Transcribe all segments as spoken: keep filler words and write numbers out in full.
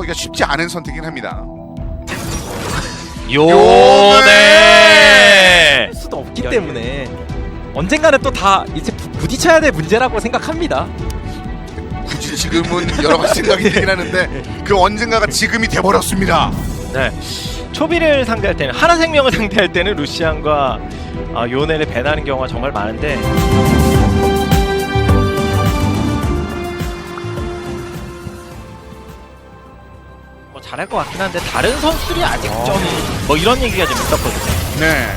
하기가 쉽지 않은 선택이긴 합니다. 요네 할 수도 없기 때문에 언젠가는 또 다 이제 부- 부딪혀야 될 문제라고 생각합니다. 굳이 지금은 여러 가지 생각이 들긴 하는데 그 언젠가가 지금이 돼버렸습니다. 네. 초비를 상대할 때는 하나생명을 상대할 때는 루시안과 아, 요네를 배나는 경우가 정말 많은데 뭐 잘할 것 같긴 한데 다른 선수들이 아직 좀 뭐 이런 얘기가 좀 있었거든요. 네.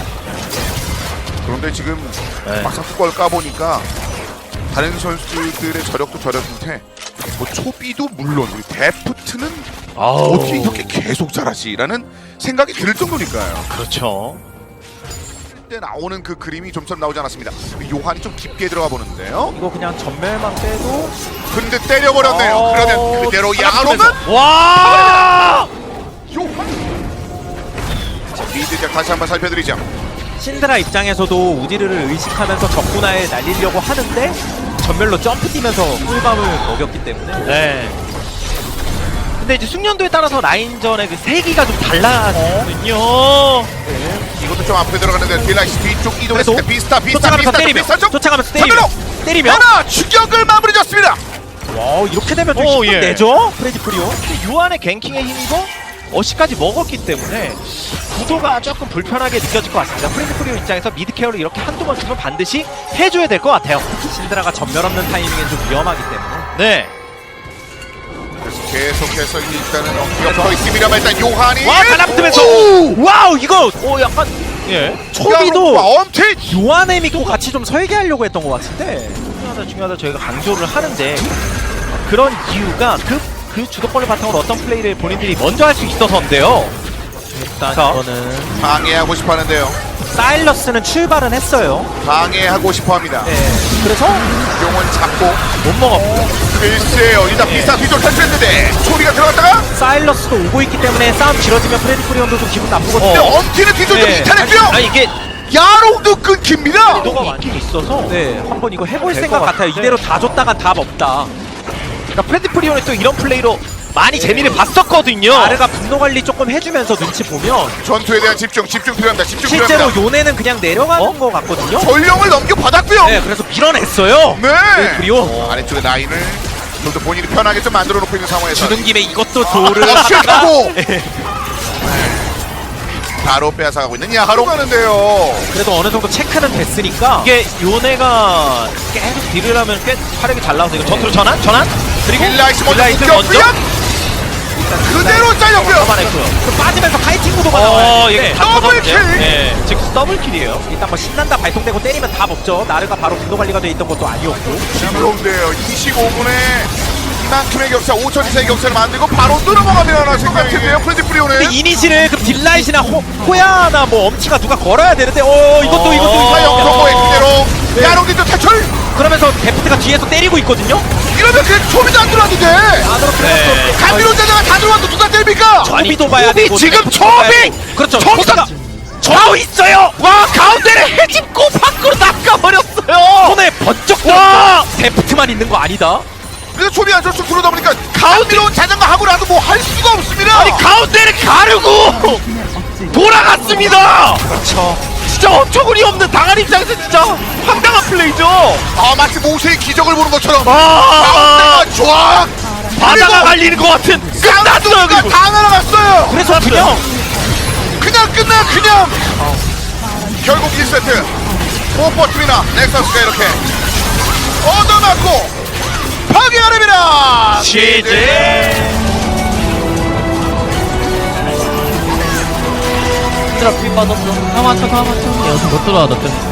그런데 지금 네. 막상 뚜껑을 까보니까 다른 선수들의 저력도 저력인데 뭐 초비도 물론 우리 데프트는 아우. 어떻게 이렇게 계속 잘하지라는 생각이 들 정도니까요. 그렇죠. 그때 나오는 그 그림이 좀처럼 나오지 않았습니다. 요한이 좀 깊게 들어가 보는데요. 이거 그냥 전멸만 빼도 근데 때려버렸네요. 어, 그러면 그대로 야로는 와! 요한. 자, 미드작 다시 한번 살펴드리죠. 신드라 입장에서도 우디르를 의식하면서 적군화에 날리려고 하는데 전멸로 점프 뛰면서 꿀밤을 먹였기 때문에 네. 근데 이제 숙련도에 따라서 라인전의 그 세기가 좀 달라지거든요. 이것도 좀 앞에 들어가는데 딜라이스 뒤쪽 이동했을 때 그래도 비스타 비스타 쫓아가면서 비스타 때리면 비스타 쪽 쫓아가면서 때리면 전멸로 때리면 하나 추격을 마무리 졌습니다. 와 이렇게 되면 좀 오, 힘은 예. 내죠 프레디 프리오. 근데 요한의 갱킹의 힘이고 어시까지 먹었기 때문에 구도가 조금 불편하게 느껴질 것 같습니다. 프레디 프리오 입장에서 미드 케어를 이렇게 한두 번 정도 반드시 해줘야 될 것 같아요. 신드라가 전멸 없는 타이밍엔 좀 위험하기 때문에 네. 그래서 계속해서 일단은 어깨가 붙어 있습니다만 일단 요한이 와 달라붙으면서 오! 와우 이거 오 약간 예 초비도 엄청 요한에 믿고 같이 좀 설계하려고 했던 것 같은데 중요하다 중요하다 저희가 강조를 하는데 그런 이유가 그, 그 주도권을 바탕으로 어떤 플레이를 본인들이 먼저 할 수 있어서인데요. 일단 자. 이거는 방해하고 싶어하는데요. 사일러스는 출발은 했어요. 방해하고 싶어합니다. 네. 그래서 용은 잡고 못 먹었고 글쎄요 일단 네. 비스타 뒤쪽 탈출했는데 초비가 들어갔다가 사일러스도 오고 있기 때문에 싸움 길어지면 프레디 프리온도 좀 기분 나쁘거든요. 근데 엄티는 뒤쪽 좀 네. 이탈했고요. 아니 이게 야롱도 끊깁니다. 구도가 있긴 있어서 네, 한번 이거 해볼 될 생각 것 같아요. 같은데. 이대로 다 줬다간 답 없다. 그러니까 프레디 프리온이 또 이런 플레이로 많이 재미를 봤었거든요. 아르가 분노 관리 조금 해주면서 눈치 보면 전투에 대한 집중 집중 필요합니다. 집중 실제로 필요합니다. 요네는 그냥 내려가는 어? 거 같거든요. 전령을 넘겨받았고요. 네, 그래서 밀어냈어요. 네. 네, 그리고 아래쪽에 라인을 좀 더 본인이 편하게 좀 만들어 놓고 있는 상황에서 주는 김에 이것도 도를 어시하고 바로 빼앗아가고 있는 야하로 가는데요. 그래도 어느 정도 체크는 됐으니까 이게 요네가 계속 딜을 하면 꽤 화력이 잘 나와서 이거 전투로 전환? 전환? 그리고 딜라이스 먼저 딜라이트 묶였고요. 그대로 잘렸고요. 잡아냈고요. 그 빠지면서 파이팅 구도가 어, 나와요. 이게 네. 다 더블킬! 터졌는데요? 네, 즉 더블킬이에요. 일단 뭐 신난다 발동되고 때리면 답 없죠. 나르가 바로 분노 관리가 돼 있던 것도 아니었고. 그런데요. 이십오 분에 이만큼의 격차, 오천 이상의 격차를 만들고 바로 뚫어먹으면 생각했네요. 프레디 프리오는. 근데 이니시를 그 딜라이트나 호, 호야나 뭐 엄치가 누가 걸어야 되는데 어 이것도 어. 이것도 사용 이거 성공의 그대로 네. 야롱기도 탈출. 그러면서 데프트가 뒤에서 때리고 있거든요. 이러면 그 초비도 안 들어왔는데. 안으로 네. 감미로 자자가 다 들어왔는데 누가 때립니까? 초비도 봐야 초비 되고 지금 데프트도 봐야 초비! 되고. 그렇죠. 초비가 저 있어요. 와 가운데를 해집고 밖으로 나가버렸어요. 손에 번쩍 와! 들었다. 데프트만 있는 거 아니다. 그래서 초비 안쪽으로 들어오다 보니까 가운데로 자전거 하고 나도 뭐 할 수가 없습니다. 아니 가운데를 가르고 돌아갔습니다. 그렇죠. 진짜 어처구니 없는 당한 입장에서 진짜 황당한 플레이죠. 아 마치 모세의 기적을 보는 것처럼 아, 가운데가 쫙 바다가 갈리는 것 같은 끝났어요. 가 그리고 다 날아갔어요. 그래서 그냥 그냥 끝나 그냥 결국 일 세트 포퍼트미나 넥서스가 이렇게 얻어맞고 파괴하렵니다. 시제 얘들아 피 빠졌어. 다 맞춰 다 맞춰. 여기서 못 들어와 너 때문에.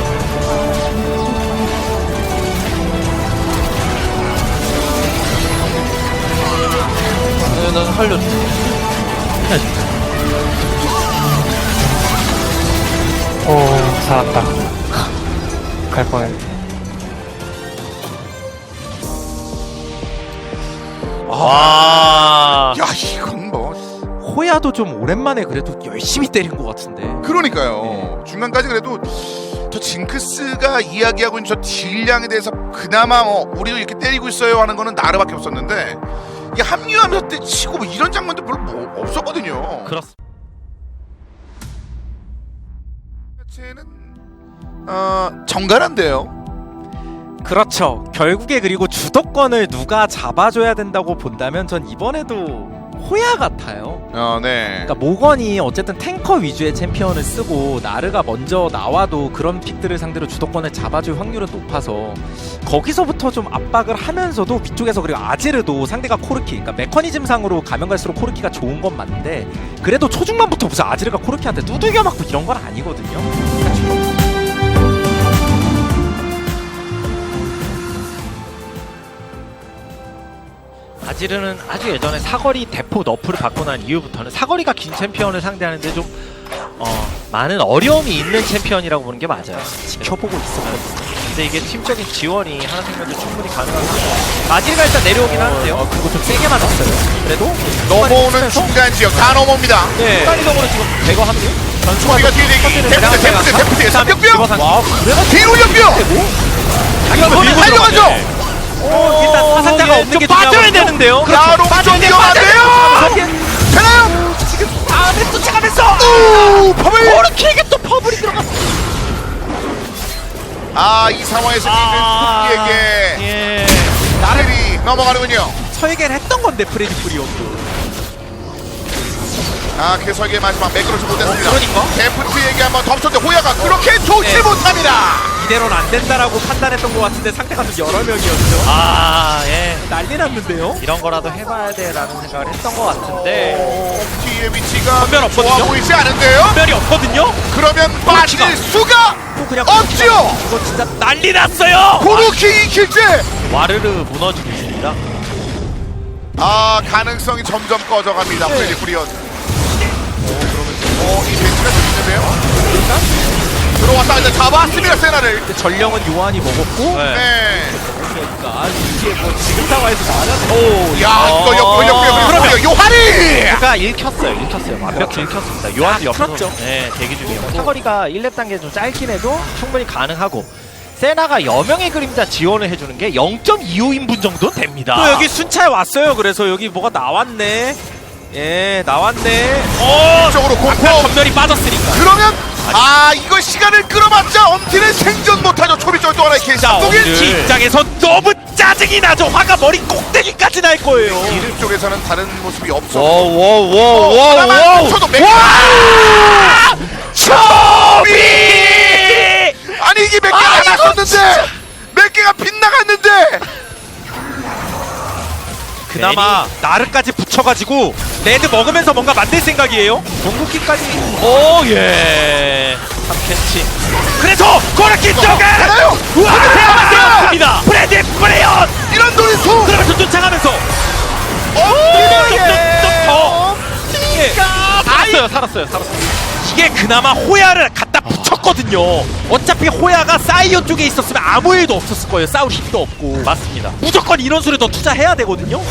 네, 나 살려줘. 해야지. 오 살았다. 갈 뻔했네. 와. 야 이건 뭐 호야도 좀 오랜만에 그래도 열심히 때린 것 같은데. 그러니까요. 중간까지 그래도 저 징크스가 이야기하고 있는 저 딜량에 대해서 그나마 뭐 우리도 이렇게 때리고 있어요 하는 거는 나르밖에 없었는데 이게 합류하면서 때 치고 뭐 이런 장면도 별로 뭐 없었거든요. 그렇습니다. 자체는 어 정갈한데요. 그렇죠. 결국에 그리고 주도권을 누가 잡아줘야 된다고 본다면 전 이번에도 호야 같아요. 어, 네. 그러니까 모건이 어쨌든 탱커 위주의 챔피언을 쓰고 나르가 먼저 나와도 그런 픽들을 상대로 주도권을 잡아줄 확률은 높아서 거기서부터 좀 압박을 하면서도 위쪽에서 그리고 아지르도 상대가 코르키, 그러니까 메커니즘상으로 가면 갈수록 코르키가 좋은 건 맞는데 그래도 초중반부터 무슨 아지르가 코르키한테 두들겨 맞고 이런 건 아니거든요. 그러니까 아지르는 아주 예전에 사거리 대포 너프를 받고 난 이후부터는 사거리가 긴 챔피언을 상대하는데 좀 어, 많은 어려움이 있는 챔피언이라고 보는 게 맞아요. 지켜보고 있었거든요. 근데 이게 팀적인 지원이 하나생명도 충분히 가능한 상황. 아지르가 일단 내려오긴 하는데요. 어, 그리고 좀 세게 맞았어요. 그래도 넘어오는 중간 지역 다 넘어옵니다. 네. 순간이동으로 지금 대거 합류? 초비가 뒤에 대기. 데프트 데프트 데프트 삼격병. 와, 그래가 뒤로 연병. 이거는 달려가죠. 어, 일단 사상자가 없는 게 빠져야 중요하거든요. 되는데요. 야롱 좀 위험한데요. 되나요? 지금 다음에 쫓아가면서 오, 퍼블. 코르키에게 또 퍼블이 들어갔어. 아, 이 상황에서 아, 이는 토끼에게 예. 나르이 넘어가는군요. 설계를 했던 건데 프레디 프리온도. 아, 그 설계 마지막 매끄러지 못했습니다. 어, 그러니까? 데프트에게 한번 덮쳤는데 호야가 그렇게 좋지 네. 못합니다. 이대로는 안 된다라고 판단했던 것 같은데 상대가 좀 여러 명이었죠. 아, 예. 난리 났는데요. 이런 거라도 해봐야 돼라는 생각을 했던 것 같은데 어, 뒤의 위치가 전면 없거든요? 좋아 보이지 않은데요? 특별히 없거든요. 그러면 빠질 수가 또 그냥 없지요. 이거 진짜 난리 났어요. 고루키 이킬째. 와르르 무너지고 있습니다. 아, 가능성이 점점 꺼져갑니다. 네. 프레디 프리온. 어, 이 벤치가 좀 있는데요? 들어왔다 이제 잡았습니다, 세나를. 근데 전령은 요한이 먹었고. 네. 네. 그러니까 이게 뭐 지금 상황에서 말하는. 오, 야, 이거 역부 역부 역부 그러면 요한이. 그러니까 읽혔어요. 읽혔어요. 완벽히 읽혔습니다. 요한도 옆에서 풀었죠. 네, 대기 중이었고 사거리가 일 렙 단계 좀 짧긴 해도 충분히 가능하고 세나가 여명의 그림자 지원을 해주는 게 영 점 이오 인분 정도는 됩니다. 또 여기 순찰 왔어요. 그래서 여기 뭐가 나왔네. 예, 나왔네. 어, 쪽으로 공포. 전멸이 빠졌으니까. 그러면 아, 이거 시간을 끌어봤자 엄티는 생존 못하죠. 초비 쪽또 하나의 케이스. 자, 독일 엄티 입장에서 너무 짜증이 나죠. 화가 머리 꼭대기까지 날 거예요. 이름 쪽에서는 다른 모습이 없어. 워워워워워 하나만 쳐도 맥. 초비! 아니 이게 몇 개가 나갔는데 몇 개가 빗나갔는데. 그나마 나르까지 붙여가지고 레드 먹으면서 뭔가 만들 생각이에요. 궁극기까지 오 예. 삼 캔치. 그래서 코르키 쪽에 하나요? 우와 되었습니다. 프레디 프레온 이런 노리수. 그러면서 쫓아가면서 어, 좀더 예. 살았어요, 살았어요, 살았어요. 이게 그나마 호야를 갖다 붙였거든요. 어차피 호야가 사이언 쪽에 있었으면 아무 일도 없었을 거예요. 싸울 힘도 없고. 맞습니다. 무조건 이런 수를 더 투자해야 되거든요.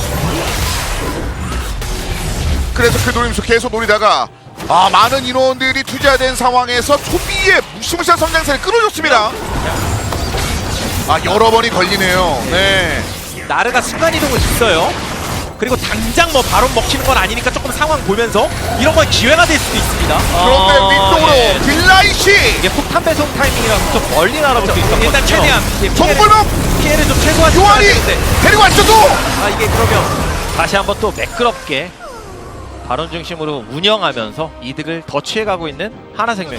그래서 그 노림수 계속 노리다가 아, 많은 인원들이 투자된 상황에서 초비의 무시무시한 성장세를 끌어줬습니다. 아, 여러 번이 걸리네요. 네. 나르가 순간이동을 있어요. 그리고 당장 뭐 바로 먹히는 건 아니니까 조금 상황 보면서 이런 건 기회가 될 수도 있습니다. 그런데 아, 위쪽으로 예. 딜라이시 이게 폭탄 배송 타이밍이라서 좀 멀리 날아볼 수 있었거든요. 일단 최대한 예, 피해를, 정불목 피해를 좀 최소화할 요한이 되는데 데리고 왔어도 아 이게 그러면 다시 한번 또 매끄럽게 발언 중심으로 운영하면서 이득을 더 취해가고 있는 하나생명.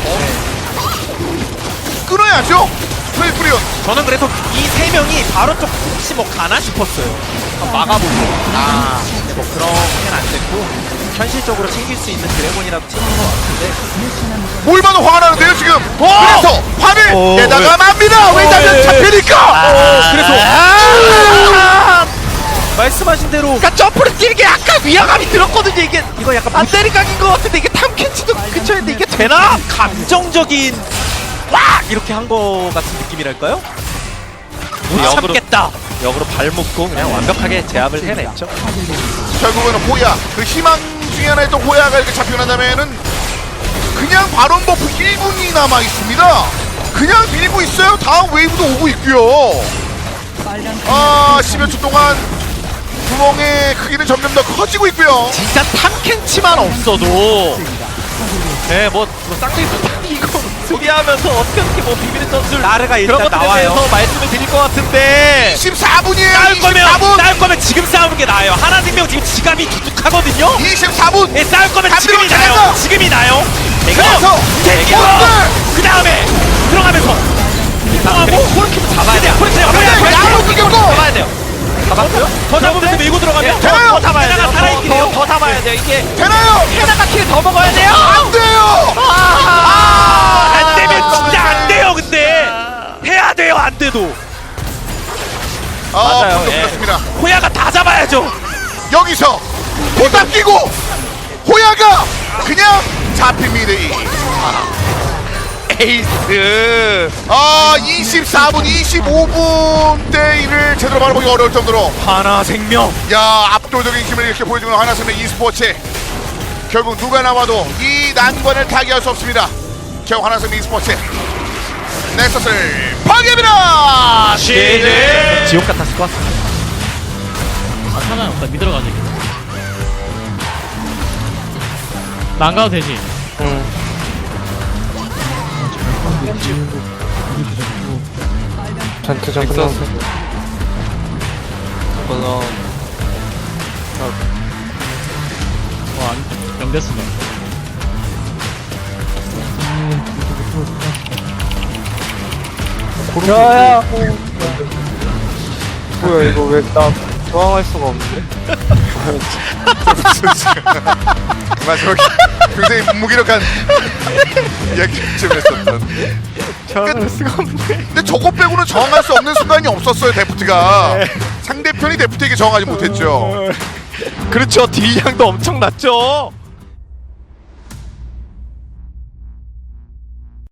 끊어야죠. 프레이프리온. 저는 그래서 이 세 명이 바로 쪽 혹시 뭐 가나 싶었어요. 한번 막아보고. 아, 근데 뭐 그렇게는 안 됐고 현실적으로 챙길 수 있는 드래곤이라도 챙긴 것 같은데. 뭘 봐도 화가 나는데요 지금. 오! 그래서 화를 오, 내다가 맙니다. 왜냐면 예. 잡히니까. 아, 그래서 아, 말씀하신 대로 그러니까 점프를 뛰는 게 약간 위화감이 들었거든요. 이게 이거 약간 안 때리각인 것 같은데 이게 탐켄치도 근처인데 이게 되나? 감정적인 와 이렇게 한 거 같은 느낌이랄까요? 못 역으로- 참겠다. 역으로 발 묶고 그냥 완벽하게 제압을 해냈죠. 결국에는 호야. 그 희망 중에 하나였던 호야가 이렇게 잡히고 난 다음에는 그냥 바론 버프 일 분이 남아 있습니다. 그냥 밀고 있어요. 다음 웨이브도 오고 있고요. 아, 십여 초 동안 구멍의 크기는 점점 더 커지고 있고요. 진짜 탐켄치만 없어도 네, 뭐, 뭐 쌍둥이 이거 소개하면서 어떻게 어떻게 뭐 비비는 전술 나르가 일단 그런 것들에 나와요. 대해서 말씀을 드릴 것 같은데 이십사 분이에요. 싸울 거면 이십사 분. 싸울 거면 지금 싸우는 게 나아요. 하나생명 지금 지갑이 두둑하거든요. 이십사 분. 예, 싸울 거면 다 지금이 들어오잖아요. 나요. 지금이 나요. 그래서 대기로 포스트. 그 다음에 들어가면서 이동하고 골키퍼 잡아야 돼요. 그렇죠. 근데 야구 끊겼고. 잡아야 돼요. 잡았어요? 더 잡으면서 밀고 들어가면 되나요? 더 잡아야 돼요. 살아있긴 해요. 더 잡아야 돼요. 이게 되나요? 헤나가 킬을 더 먹어야 돼요. 안 돼요. 아, 안 되면 진짜 안 돼요. 근데 해야 돼요. 안 돼도 아, 맞아요, 방금 예. 그렇습니다. 호야가 다 잡아야죠. 여기서 보답 끼고 호야가 그냥 잡힙니다. 에이스 아, 이십사 분, 이십오 분대 일을 제대로 바라보기 어려울 정도로 하나 생명. 야, 압도적인 힘을 이렇게 보여주는 하나생명 e스포츠. 결국 누가 나와도 이 난관을 타개할 수 없습니다. 결국 하나생명 e스포츠 넥서스를 파괴합니다. 시즌 지옥 같았을 것 같습니다. 아 하나 없다 믿으러 가지 나 안 가도 되지 응. 전투 좀 끝나서. 와안 연결했어 야야. 뭐야 이거 왜 나 저항할 수가 없는데? 마지막에 굉장히 무기력한 이야기쯤 했었던. 저항할 수가 없는데. 근데 저거 빼고는 저항할 수 없는 순간이 없었어요, 데프트가. 상대편이 데프트에게 저항하지 못했죠. 그렇죠. 딜량도 엄청 났죠.